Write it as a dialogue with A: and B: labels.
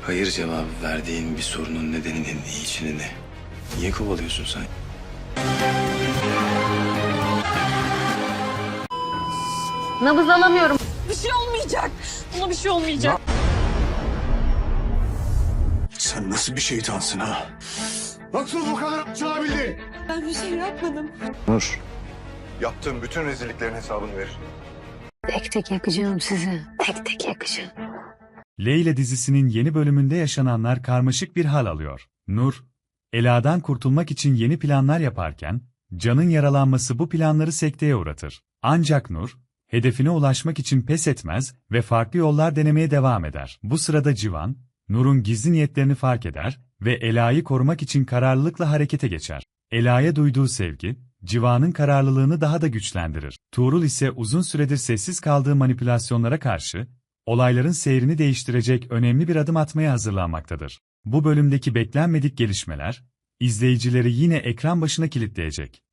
A: Hayır cevabı verdiğin bir sorunun nedeninin içini ne? Niye kovalıyorsun sen?
B: Nabız alamıyorum.
C: Bir şey olmayacak. Buna bir şey olmayacak.
D: Sen nasıl bir şeytansın ha? Nasıl bu kadar çalabildi?
C: Ben bir şey yapmadım.
A: Nur.
D: Yaptığım bütün rezilliklerin hesabını verir.
B: Tek tek yakacağım sizi. Tek tek yakacağım.
E: Leyla dizisinin yeni bölümünde yaşananlar karmaşık bir hal alıyor. Nur, Ela'dan kurtulmak için yeni planlar yaparken, Can'ın yaralanması bu planları sekteye uğratır. Ancak Nur, hedefine ulaşmak için pes etmez ve farklı yollar denemeye devam eder. Bu sırada Civan, Nur'un gizli niyetlerini fark eder ve Ela'yı korumak için kararlılıkla harekete geçer. Ela'ya duyduğu sevgi, Civan'ın kararlılığını daha da güçlendirir. Tuğrul ise uzun süredir sessiz kaldığı manipülasyonlara karşı, olayların seyrini değiştirecek önemli bir adım atmaya hazırlanmaktadır. Bu bölümdeki beklenmedik gelişmeler, izleyicileri yine ekran başına kilitleyecek.